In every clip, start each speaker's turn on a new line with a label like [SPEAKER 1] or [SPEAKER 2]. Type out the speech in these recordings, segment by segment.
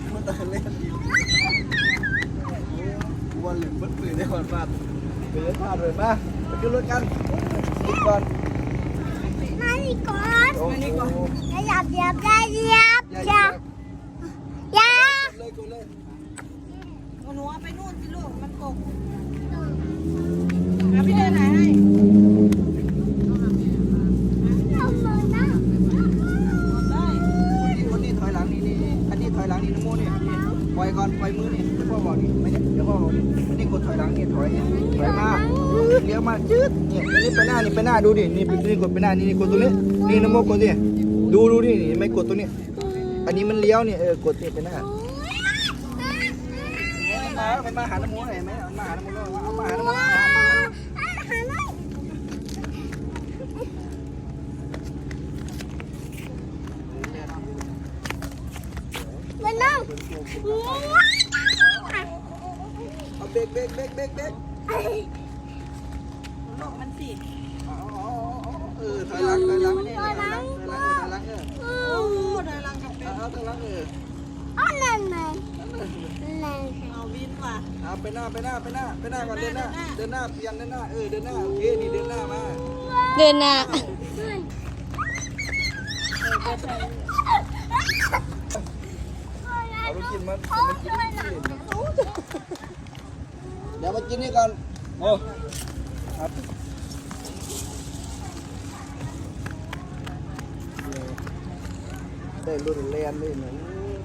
[SPEAKER 1] มันตะเล่นดีวันเหลืองมันปืนได้ก่อนฟาดเดินพาดเลยมาไปขึ้นรถกันขึ้นก่อน
[SPEAKER 2] มาดีก่อนอย่าอย่า
[SPEAKER 1] เลยกูเลย
[SPEAKER 3] หนูเอาไปนู่นสิลูกมันตกพี่เดินไหนให้
[SPEAKER 1] คนนี้ถอยหลังนี่อันนี้ถอยหลังนี่น้ำมูนี่ปล่อยก่อนปล่อยมือนี่เดี๋ยวพ่อบอกนี่ไม่เนี่ยเดี๋ยวพ่อบอกนี่อันนี้กดถอยหลังนี่ถอยมาเลี้ยวมาจืดเนี่ยอันนี้ไปหน้าดูดินี่กดไปหน้านี่กดตรงนี้นี่น้ำมูกดดิดูนี่ไม่กดตรงนี้อันนี้มันเลี้ยวนี่กดนี่ไปหน้ามันมาหาน้ำมูหน่อยไหมมันมาหาน้ำมูเอามาหาน้ำมู
[SPEAKER 2] มันนั่ง
[SPEAKER 1] เอาเบรก
[SPEAKER 3] บอกมันสิ
[SPEAKER 1] ถอยหลัง
[SPEAKER 3] เดินลังกับเป็ด
[SPEAKER 1] เอาถอยหลัง
[SPEAKER 2] อ๋อนั่นไง
[SPEAKER 3] เอาวินว่ะ
[SPEAKER 1] เอาไปหน้าก่อนเดินหน้าเปลี่ยนเดินหน้าเดินหน้าโอเคนี่เดินหน้ามา
[SPEAKER 2] เดินหน้า
[SPEAKER 1] เอาลูกกินมาเดี๋ยวมากินนี่ก่อนโอ้ครับได้รุ่นแลนเลยนะ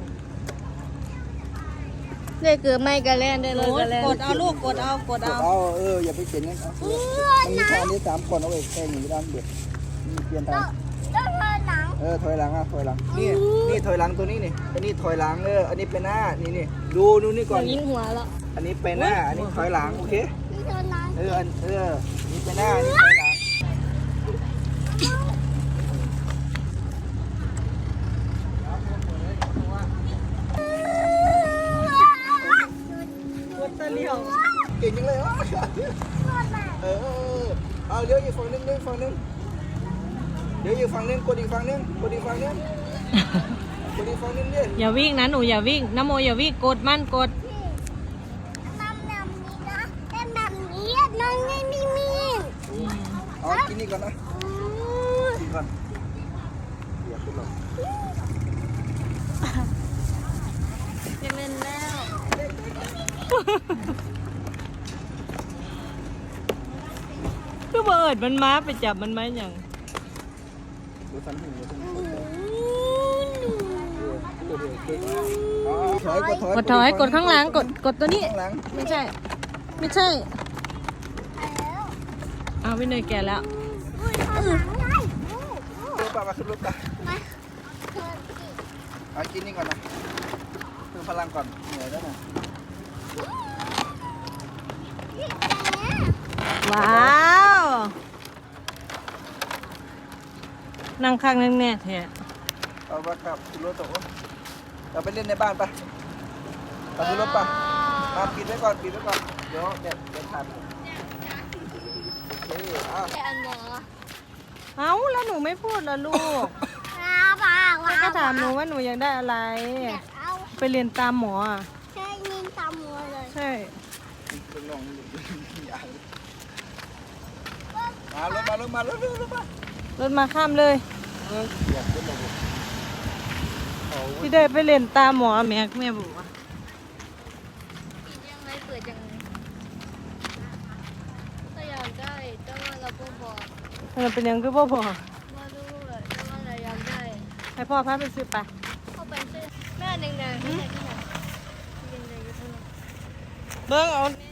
[SPEAKER 2] ได้เกือบไม่กระแลนได้เลยกระแลน
[SPEAKER 3] กดเอาลูกกดเอา
[SPEAKER 1] อย่าไปเขียนงั้นมันมีทางนี้3คนเอาไว้แค่นี้ด้านเด็ดนี่เปลี่ยนทางถอยหลังนี่ถอยหลังตัวนี้นี่อันนี้ถอยหลังอันนี้เป็นหน้านี่ดูนี่ก่อน
[SPEAKER 2] ยิงหัวแล้ว
[SPEAKER 1] อันนี้เป็นหน้าอันนี้ถอยหลังโอเคนี่เป็นหน้าอันนี้ถอยหลัง
[SPEAKER 3] กดตะเลียว
[SPEAKER 1] เก่งจังเลยวะเอาเลี้ยวอีกฝั่งนึงเดี๋ยวอีกฝั่งนึงกดอีกฝั่งนึงดิ
[SPEAKER 3] อย่าวิ่งนะหนูอย่าวิ่งน้ำโมอย่าวิ่งกดมันกด
[SPEAKER 1] เอากินนี่ก่อนนะกินก่อนอย่าขึ้นหรอก
[SPEAKER 2] จะเป็นแล้ว
[SPEAKER 3] คือเบิดมันมาไปจับมันไหมอย่าง
[SPEAKER 1] ดูสันหู
[SPEAKER 3] กดข้างหลังกดตัวนี้ไม่ใช่เอาไปเนยแก่แล้ว
[SPEAKER 1] ป่ะมาขึ้นรถป่ะเอากินนี่ก่อนนะเพิ่มพลังก่อนเหนื่อยแล้วนะ
[SPEAKER 3] ว้าวนั่งข้างนั่งแน่แท้
[SPEAKER 1] เอาไปครับขึ้นรถต่อเราไปเล่นในบ้านป่ะไปขึ้นรถป่ะมาปิดไว้ก่อนเดี๋ยวเด็ดขาด
[SPEAKER 3] เอาแล้วหนูไม่พูดละลูกก็ถามหนูว่าหนูอยากได้อะไรไปเรียนตามหมอ
[SPEAKER 2] ใช่เรียนตามหมอเลย
[SPEAKER 3] ใช่รถมาข้ามเลยพี่ได้ไปเรียนตามหมอแม่บอกว่า
[SPEAKER 2] ยังไงเปิดยังไงถ้าอยากได้แต่ว่าเราก็บอก
[SPEAKER 3] มันเป็นยังคือพ่อ
[SPEAKER 2] มาดูเลยแต่ว่าเราอยากได้
[SPEAKER 3] ให้พ่อพาไปซื้อไป
[SPEAKER 2] เข้าไปซื้อแม่หนึ่งๆที่ไหนเบิ้งเอา